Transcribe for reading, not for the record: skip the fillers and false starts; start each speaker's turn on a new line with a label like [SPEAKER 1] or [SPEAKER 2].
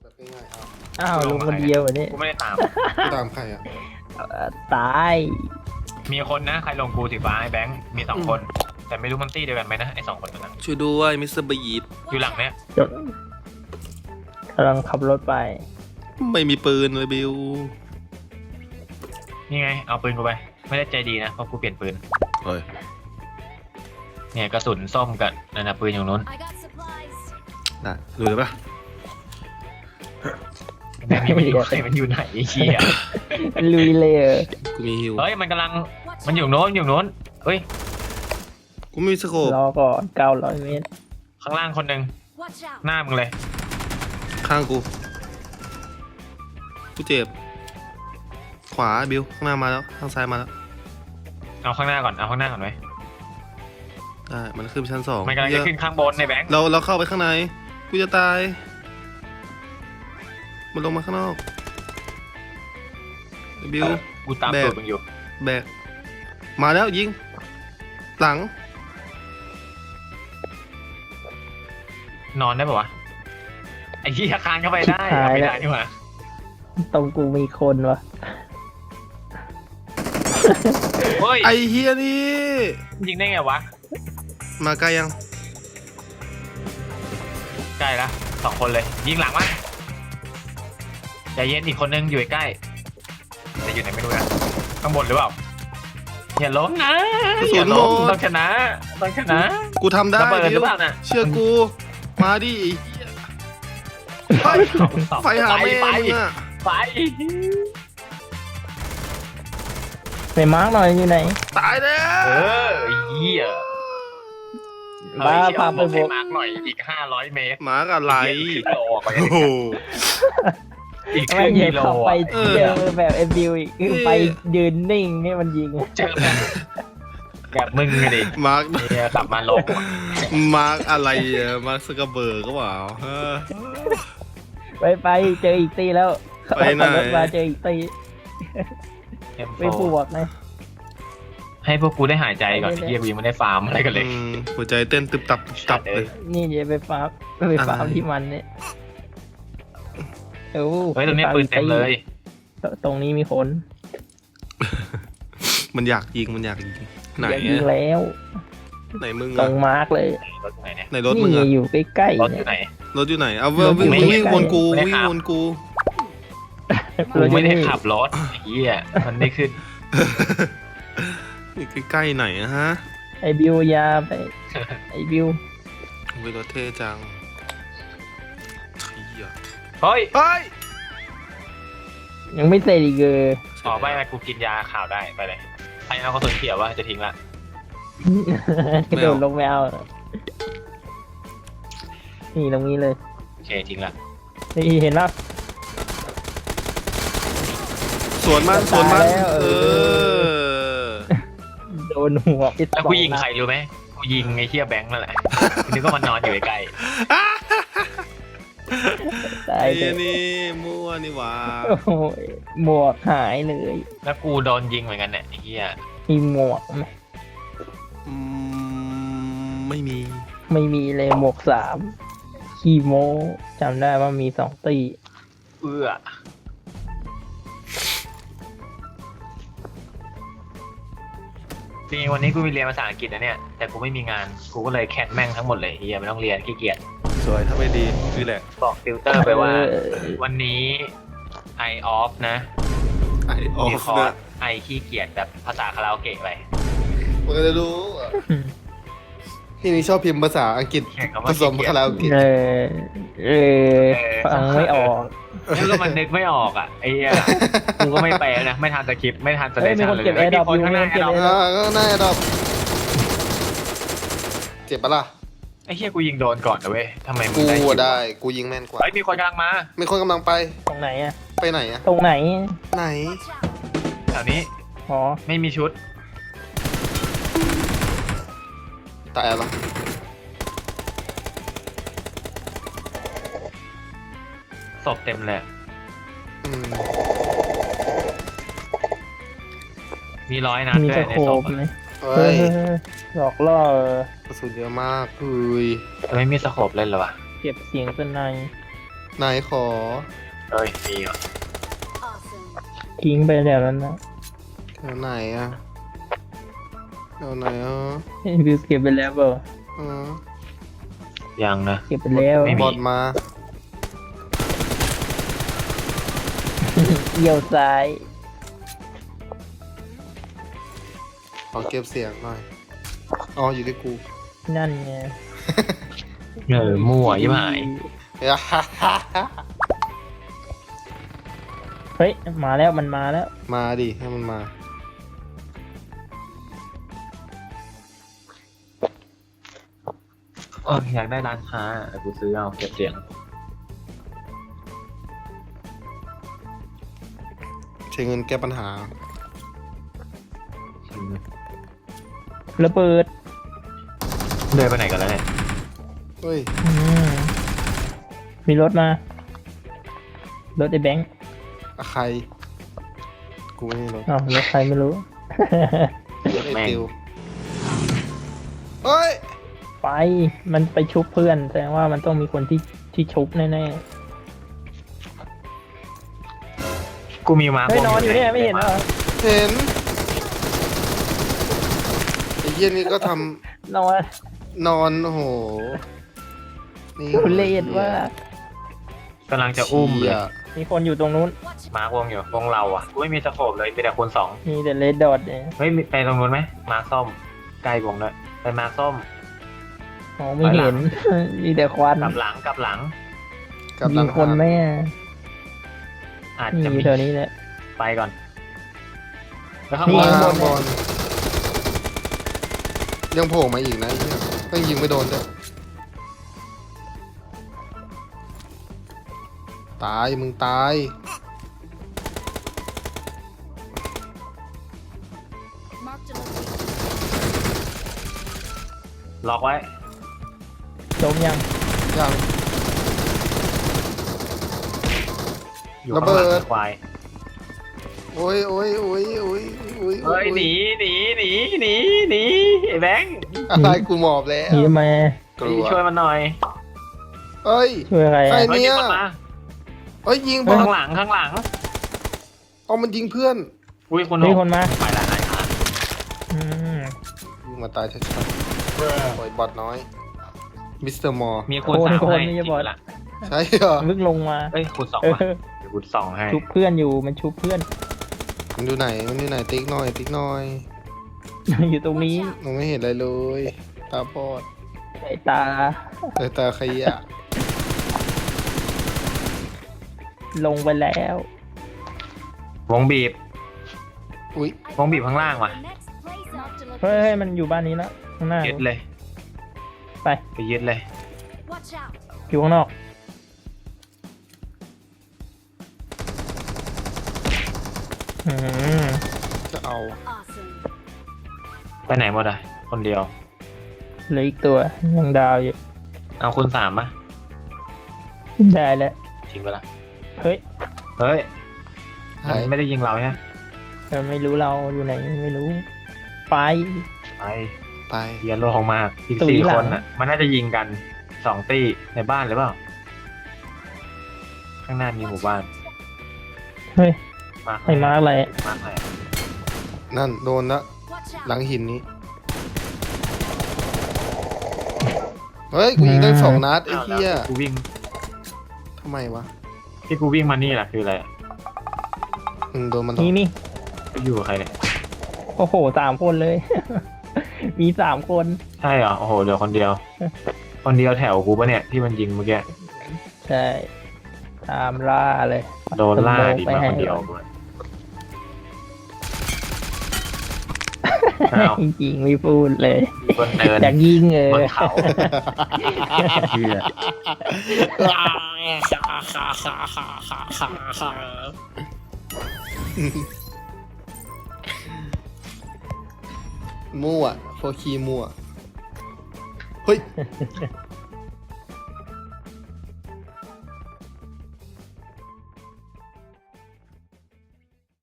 [SPEAKER 1] แบบง่ายๆ
[SPEAKER 2] อ้าวลุงคนเดียววันนี้
[SPEAKER 3] กูไม่ได้ตาม
[SPEAKER 1] กูตามใครอ่ะ
[SPEAKER 2] ตาย
[SPEAKER 3] มีคนนะใครลงกูสีฟ้าไอ้แบงค์มี2 คน แต่ไม่รู้มันตี้เดียวกันไหมนะไอ้2 คนนั้น
[SPEAKER 4] ช่วยด้วยมิสเตอร์บีด
[SPEAKER 3] อยู่หลังเนี้ย
[SPEAKER 2] จดกำลังขับรถไป
[SPEAKER 4] ไม่มีปืนเลยบิว
[SPEAKER 3] นี่ไงเอาปืนกูไปไม่ได้ใจดีนะเพราะกูเปลี่ยนปืน
[SPEAKER 4] เฮ้ย
[SPEAKER 3] เนี่ยกระสุนส้มกับนั่นนะปืนอยู่นู้น
[SPEAKER 5] I got supplies.
[SPEAKER 4] ได้ดูเลยปะ
[SPEAKER 3] แม่งนี่มันอยู่ใครมันอยู่ไหนไอ้เหี้ย
[SPEAKER 2] ลุยเลย
[SPEAKER 4] กูมีฮิว
[SPEAKER 3] เฮ้ยมันกำลัง
[SPEAKER 5] Watch
[SPEAKER 3] มันอยู่โน้นอยู่โน้นเฮ้ย
[SPEAKER 4] กูไม่มีสโคป
[SPEAKER 2] รอก่อน900 เมตร
[SPEAKER 3] ข้างล่างคนหนึ่ง
[SPEAKER 5] Watch out.
[SPEAKER 3] หน้ามึงเลย
[SPEAKER 4] ข้างกูกูเจ็บขวาบิวข้างหน้ามาแล้วข้างซ้ายมาแล้ว
[SPEAKER 3] เอาข้างหน้าก่อนเอาข้างหน้าก่อนไว้
[SPEAKER 4] ได้มันขึ้นไปชั้น 2
[SPEAKER 3] มันกำลังจะขึ้นข้างบนในแบงค์
[SPEAKER 4] เราเข้าไปข้างในกูจะตายมันลงมาข้างนอกบิว
[SPEAKER 3] กูตาม
[SPEAKER 4] แบก
[SPEAKER 3] ตูดมึงอยู่
[SPEAKER 4] แบกมาแล้วยิงหลัง
[SPEAKER 3] นอนได้ปะวะไอ้ที่คานเข้าไปได้เอาไม่ได้นี่หว่า
[SPEAKER 2] ตรงกูมีคนวะ
[SPEAKER 3] เฮ้ย
[SPEAKER 4] ไอเฮียนี่
[SPEAKER 3] ยิงได้ไงวะ
[SPEAKER 4] มาใกล้ยัง
[SPEAKER 3] ใกล้ละ2 คนเลยยิงหลังมั้ยใจเย็นอีกคนนึงอยู่ใกล้แต่อยู่ไหนไม่รู้นะข้างบนหรือเปล่าอย่าล้มนะอย่าล้มต้องชนะต้องชนะ
[SPEAKER 4] กูทำได้
[SPEAKER 3] ระเบิดห
[SPEAKER 4] บิ
[SPEAKER 3] รือ
[SPEAKER 4] ว
[SPEAKER 3] เปล่าน่ะ
[SPEAKER 4] เชื่อกูมาดิไอ้เหี้ยไฟหาแม่มึงอะ
[SPEAKER 3] ไป
[SPEAKER 2] ไปมาร์กหน่อยอยู่ไหน
[SPEAKER 4] ตายแล้ว
[SPEAKER 3] เออเหี้ย
[SPEAKER 2] บ้า
[SPEAKER 3] เฮ้ย
[SPEAKER 2] พาไป
[SPEAKER 3] บอก
[SPEAKER 2] บ
[SPEAKER 3] ให้
[SPEAKER 2] อก
[SPEAKER 3] มาร์กหน่อยอีก500 เมตร
[SPEAKER 4] หมากับไหล
[SPEAKER 3] อีกครึ่งกิโลกว่า
[SPEAKER 4] โอ้โห
[SPEAKER 3] อีกค
[SPEAKER 2] ไม่
[SPEAKER 3] รึ่ง
[SPEAKER 2] เห็น
[SPEAKER 3] กิโล
[SPEAKER 2] เข้าไป
[SPEAKER 3] อะ
[SPEAKER 2] เจอแบบเอ็มบิวอีกคือไปยืนนิ่งให้มันยิง
[SPEAKER 3] เจอแบบมึงไงดิ
[SPEAKER 4] มาร์ก
[SPEAKER 3] เนี่ยกลับมาลบ
[SPEAKER 4] มาร์กอะไรอะมาร์กสกเบิร์กก็เปล่าฮะ
[SPEAKER 2] ไปเจออีกตีแล้ว
[SPEAKER 4] ไปไหน
[SPEAKER 2] ขับรถมาเจออีกตี
[SPEAKER 3] เอ็ม
[SPEAKER 2] ไป
[SPEAKER 3] โฟ
[SPEAKER 2] บวกนะ
[SPEAKER 3] ให้พวกกูได้หายใจก่อน
[SPEAKER 2] ไม่ได้
[SPEAKER 3] เฮียกูยังไม่ได้ฟาร์มอะไรกันเลย
[SPEAKER 4] หัวใจเต้นตึบตับตึบตับเลย
[SPEAKER 2] นี่เดี๋ยวไปฟาร์มที่มันเนี่ยโอ้
[SPEAKER 3] เฮ้ยตรงนี้ปืนเต็มเลย
[SPEAKER 2] ตรงนี้มีคน
[SPEAKER 4] มันอยากยิงมันอยากยิงไหน
[SPEAKER 2] อยากยิง
[SPEAKER 4] อะ
[SPEAKER 2] แล้ว
[SPEAKER 4] ไหนมึง
[SPEAKER 2] ตร
[SPEAKER 4] อะ
[SPEAKER 2] งมาร์กเลย
[SPEAKER 3] รถอยู่ไหนเนี่ย
[SPEAKER 4] ไหนรถมึงอะ
[SPEAKER 2] นี่อยู่ใกล้
[SPEAKER 3] ร
[SPEAKER 2] ๆ
[SPEAKER 3] ถอ
[SPEAKER 2] เนี่ย
[SPEAKER 3] ยู่ไหน
[SPEAKER 4] รถอยู่ไหนเอา
[SPEAKER 2] รถอยู่
[SPEAKER 4] วิ่ง
[SPEAKER 2] ใกล้ๆ
[SPEAKER 4] วนกู
[SPEAKER 3] ไม่ได้
[SPEAKER 4] วิ่ง
[SPEAKER 3] ขับ
[SPEAKER 4] วนกู
[SPEAKER 3] กูไม่ได้ขับรถไอ้เฮียมันไม่ขึ้น
[SPEAKER 4] อยู่ใกล้ๆไหนอะฮะ
[SPEAKER 2] ไอบิวยาไปไอบิว
[SPEAKER 4] วิรถเท่จังเฮีย
[SPEAKER 3] เฮ้ย
[SPEAKER 4] เฮ้ย
[SPEAKER 2] ยังไม่เสร็จอีกเลย
[SPEAKER 3] อ๋อไม่กูกินยาข่าวได้ไปเลยใครเอากระสุนเขียววะจะทิ้งละ
[SPEAKER 2] กระโดดลงไม่เอานี่ตรงนี้เลย
[SPEAKER 3] โอเคทิ้งละ
[SPEAKER 2] นี่เห็นแล้ว
[SPEAKER 4] สวนมันสวนมัน
[SPEAKER 2] ตายแล้ว
[SPEAKER 4] เออ
[SPEAKER 2] โดนหัวปิด
[SPEAKER 3] แล้วกูยิงใครรู้ไหมกูยิงไอ้เฮียแบงค์นั่นแหละนึกว่ามันนอนอยู่ใกล้
[SPEAKER 2] ตา
[SPEAKER 4] ไอ้
[SPEAKER 2] ยเลย
[SPEAKER 4] นี่มั่วนี่หว่า
[SPEAKER 2] โอ้โหหมวกหายเลย
[SPEAKER 3] ๆแล้วกูโดนยิงเหมือนกันเนี่ยไอ้เฮีย
[SPEAKER 2] มีหมวกไหม
[SPEAKER 4] อืไม่มี
[SPEAKER 2] ไม่มีเลยหมวก3ขี้โมจำได้ว่ามี2 ตี
[SPEAKER 3] เอื้อจริงๆวันนี้กูมีเรียนภาษาอังกฤษนะเนี่ยแต่กูไม่มีงานกูก็เลยแคทแม่งทั้งหมดเลยเฮียไม่ต้องเรียนขี้เกียจ
[SPEAKER 4] สวยถ้าไม่ดีคือแหละ
[SPEAKER 3] บอกติวเตอร์ไปว่า
[SPEAKER 2] เออ
[SPEAKER 3] วันนี้ I off นะ
[SPEAKER 4] ไอออ
[SPEAKER 3] มี
[SPEAKER 4] ฟ
[SPEAKER 3] คอร์
[SPEAKER 4] นะ
[SPEAKER 3] ส I ขี้เกียจแบบภาษาคาราโอเกะไป
[SPEAKER 1] มันก็จะรู้อะที่นี่ชอบพิมพ์ภาษาอังกฤษ
[SPEAKER 3] เขียนคำ
[SPEAKER 1] ผ
[SPEAKER 3] ว่า
[SPEAKER 1] สมคาราโอเกะ
[SPEAKER 2] เออฟังไม่ออก
[SPEAKER 3] แล้วก็มันนึกไม่ออกอ่ะไอ้เหี้ยกูก็ไม่แปลนะไม่ทันสคริปต์ไม่ทันสเล
[SPEAKER 2] เฮ้ยมี
[SPEAKER 3] ชัน
[SPEAKER 2] คน
[SPEAKER 3] เลย
[SPEAKER 2] เก็บ
[SPEAKER 3] ไม่มี
[SPEAKER 2] AirDrop
[SPEAKER 3] คนข้างหน้า
[SPEAKER 2] อยู่
[SPEAKER 3] แอร์ดรอป
[SPEAKER 2] มีคนเก็บ
[SPEAKER 1] ก็น่าจะดอกเจ็บปะล่ะ
[SPEAKER 3] ไอ้เหี้ยกูยิงโดนก่อนนะเว้ยทำไมมึ
[SPEAKER 1] กู
[SPEAKER 3] งได้คิว
[SPEAKER 1] อะได้ กูยิงแม่นกว่า
[SPEAKER 3] เฮ้ยมีคนกำลังมา
[SPEAKER 1] มีคนกำลังไป
[SPEAKER 2] ตรงไหนอะ
[SPEAKER 1] ไปไหนอะ
[SPEAKER 2] ตรงไหน
[SPEAKER 1] ไหน
[SPEAKER 5] Watch out.
[SPEAKER 3] แถวนี้
[SPEAKER 2] อ๋อ
[SPEAKER 3] ไม่มีชุด
[SPEAKER 1] ตายแล้ว
[SPEAKER 3] ศพเต็มเลย
[SPEAKER 1] อืม
[SPEAKER 3] มี100 นัด
[SPEAKER 2] มี
[SPEAKER 3] ด้ว
[SPEAKER 2] ส
[SPEAKER 3] ยใน
[SPEAKER 2] โค
[SPEAKER 3] ศ
[SPEAKER 2] ป
[SPEAKER 3] พ
[SPEAKER 2] ไหม
[SPEAKER 1] เฮ้ย
[SPEAKER 2] หลอกล่อก
[SPEAKER 1] ระสุนเยอะมากเฮ้ย
[SPEAKER 3] ไม่มีสโคปเล่นเหรอวะ
[SPEAKER 2] เก็บเสียงเป็นใน
[SPEAKER 1] นายขอ
[SPEAKER 3] เฮ้ยมีเหรอ
[SPEAKER 2] ทิ้งไปแล้วนั้นนะ
[SPEAKER 1] แถวไหนอะแถวไหนอ่ะ
[SPEAKER 2] วิวเก็บไปแล้วเปล่า
[SPEAKER 1] อ๋อ
[SPEAKER 3] ยังนะ
[SPEAKER 2] เก็บไปแล้ว
[SPEAKER 3] ไม่มี
[SPEAKER 1] บอดมา
[SPEAKER 2] เอี่ยวซ้าย
[SPEAKER 1] ขอเก็บเสียงหน่อยอ๋ออยู่ที่กู
[SPEAKER 2] นั่นไง
[SPEAKER 3] มั่วยิ่หาย
[SPEAKER 2] เฮ้ยมาแล้วมันมาแล้ว
[SPEAKER 1] มาดิให้มันมา
[SPEAKER 3] อยากได้ร้านค้าแต่กูซื้อเอาเก็บเสียง
[SPEAKER 1] ใช้เงินแก้ปัญหา
[SPEAKER 2] ระเบิด
[SPEAKER 3] เดินไปไหนกันแล้วเนี่ย
[SPEAKER 1] เฮ้ย
[SPEAKER 2] อืมมีรถมา รถไอ้แบงค์
[SPEAKER 1] ใคร กูไม่รู้
[SPEAKER 2] อ้าวรถใครไม่รู้
[SPEAKER 1] รถไอติวเฮ้ย
[SPEAKER 2] ไปมันไปชุบเพื่อนแสดงว่ามันต้องมีคนที่ชุบแน่
[SPEAKER 3] กูมีมา
[SPEAKER 2] ๆเฮ้ยนอนอยู่เนี่ยไม่เห็นเหรอ
[SPEAKER 1] เห็นไอ้เยี่ยนี่ก็ท
[SPEAKER 2] นอน
[SPEAKER 1] ำนอนโอ้โหนี่
[SPEAKER 2] ทุเรศว่าก
[SPEAKER 3] ำลังจะอุ้มเลย
[SPEAKER 2] มีคนอยู่ตรงนู้น
[SPEAKER 3] มาร์ควงอยู่วงเราอ่ะกูไม่มีสโคปเลยมีแต่คูณ 2
[SPEAKER 2] มีแต่เลดดอทเนี่ย
[SPEAKER 3] เฮ้ยไปตรงนู้นไหมมาร์คส้มใกล้วงด้วยไปมาร์คส้ม
[SPEAKER 2] มองไม่เห็น มีแต่ควัน
[SPEAKER 3] กลับหลัง
[SPEAKER 1] กับหลั
[SPEAKER 2] มี
[SPEAKER 1] ง
[SPEAKER 2] คนไหมอ่ะ
[SPEAKER 3] อาจ
[SPEAKER 2] มี
[SPEAKER 3] จะมี
[SPEAKER 2] แถวนี้แหละ
[SPEAKER 3] ไปก่อนแล้วข้าง
[SPEAKER 2] นี่
[SPEAKER 3] บน
[SPEAKER 1] ข้างบนยังโผล่มาอีกนะไอ้เหี้ยก็ยิงไม่โดนด้วยตายมึงตาย
[SPEAKER 3] ล็อกไว้
[SPEAKER 2] จมยัง
[SPEAKER 1] ยัง
[SPEAKER 3] อยู่
[SPEAKER 1] ระ
[SPEAKER 3] ข้าง
[SPEAKER 1] เบิ
[SPEAKER 3] หลั
[SPEAKER 1] ด
[SPEAKER 3] งควาย
[SPEAKER 1] โอ้ยโอ้ยโอ้ยโอ้ยโอ้ย
[SPEAKER 3] เฮ้ยหนีไอ้แบงค์
[SPEAKER 1] อะไรกูหมอบแล้ว
[SPEAKER 2] หนีทำไม
[SPEAKER 1] กลัว
[SPEAKER 3] ช่วยมันหน่อย
[SPEAKER 1] เอ้ย
[SPEAKER 2] ช่วยอะไร
[SPEAKER 1] ใคร
[SPEAKER 2] อ่ะ
[SPEAKER 3] เฮ้ย
[SPEAKER 1] เนี่
[SPEAKER 3] มี
[SPEAKER 1] ย
[SPEAKER 3] คนมา
[SPEAKER 1] เอ้ยยิงบอล
[SPEAKER 3] ข้างหลัง
[SPEAKER 1] เอามันยิงเพื่อน
[SPEAKER 3] อุ้ยคน
[SPEAKER 2] มีคนมา
[SPEAKER 3] ไปละไหนอ่ะ
[SPEAKER 2] อืม
[SPEAKER 1] ยิงมาตายชัดๆโอ้ยบอดน้อยมิสเตอร์มอร์
[SPEAKER 3] มีคูณ 3ให้
[SPEAKER 2] ไม่ใช่บอล
[SPEAKER 3] ละ
[SPEAKER 1] ใช่เหรอ
[SPEAKER 2] ลึกลงมา
[SPEAKER 3] เอ้ยคูณ 2
[SPEAKER 2] เอ
[SPEAKER 3] มา
[SPEAKER 2] อ
[SPEAKER 3] เดี๋ยวคูณ 2ให้
[SPEAKER 2] ชุบเพื่อนอยู่มันชุบเพื่อน
[SPEAKER 1] มันอยู่ไหนมันอยู่ไหนติ๊กหน่อยติ๊กหน่อย
[SPEAKER 2] อยู่ตรงนี้
[SPEAKER 1] มองไม่เห็นอะไรเลยตาบอด
[SPEAKER 2] ไอ้ตา
[SPEAKER 1] ตาขยะ
[SPEAKER 2] ลงไปแล้ว
[SPEAKER 3] วงบีบ
[SPEAKER 1] อุ้ยว
[SPEAKER 3] งบีบข้างล่างว่ะ
[SPEAKER 2] เฮ้ยมันอยู่บ้านนี้แล้วข้างหน้า
[SPEAKER 3] ยึดเลย
[SPEAKER 2] ไป
[SPEAKER 3] ไปยึดเลย
[SPEAKER 2] อยู่ข้างนอกอืม
[SPEAKER 1] จะเอา
[SPEAKER 3] ไปไหนหมดอ่ะคนเดียว
[SPEAKER 2] เหลืออีกตัวยังดาวอยู่
[SPEAKER 3] เอาคูณ 3ป่ะ
[SPEAKER 2] ได้แล้ว
[SPEAKER 3] ทิ้งไปละ
[SPEAKER 2] เฮ้ย
[SPEAKER 3] เฮ้ย
[SPEAKER 1] หาย
[SPEAKER 3] มันไม่ได้ยิงเราใช่ไหม
[SPEAKER 2] แต่ไม่รู้เราอยู่ไหนไม่รู้ ไป
[SPEAKER 3] ไป
[SPEAKER 1] ไป
[SPEAKER 3] เรียนโลกมากอีก
[SPEAKER 2] ตุ๋ย
[SPEAKER 3] 4
[SPEAKER 2] หลัง
[SPEAKER 3] คนอ่ะ มันน่าจะยิงกัน 2 ตี้ในบ้านหรือเปล่า ข้างหน้ามีหมู่บ้าน
[SPEAKER 2] เฮ้ย
[SPEAKER 3] มา
[SPEAKER 2] ไอ้มาอะไร
[SPEAKER 3] มาร์คไหน
[SPEAKER 1] นั่นโดนละหลังหินนี้เฮ้ยกูยิงได้2 นัดไอ้
[SPEAKER 3] อ้าว
[SPEAKER 1] เหี้ย
[SPEAKER 3] แล้วกูวิ่ง
[SPEAKER 1] ทำไมวะ
[SPEAKER 3] ที่กูวิ่งมานี่แหละคืออะไรอะ
[SPEAKER 1] โดนมันหรอ
[SPEAKER 2] นี่
[SPEAKER 3] กูอยู่กับใครเนี่ย
[SPEAKER 2] โอ้โห3 คนเลย มี3 คน
[SPEAKER 3] ใช่เหรอ โอ้โหเหลือคนเดียว คนเดียวแถวกูปะเนี่ยที่มันยิงเมื่อกี้
[SPEAKER 2] ใช่ตามล่าเลย
[SPEAKER 3] โดนล่าดี
[SPEAKER 2] ไป
[SPEAKER 3] มา
[SPEAKER 2] ให้
[SPEAKER 3] คนเดียวด้วยอ้าว
[SPEAKER 2] จริงๆไม่พูดเลย
[SPEAKER 3] บนเนิน
[SPEAKER 2] อยากยิง
[SPEAKER 3] บนเขาเชื่อ
[SPEAKER 1] มั่วโฟคีมั่วเฮ้ย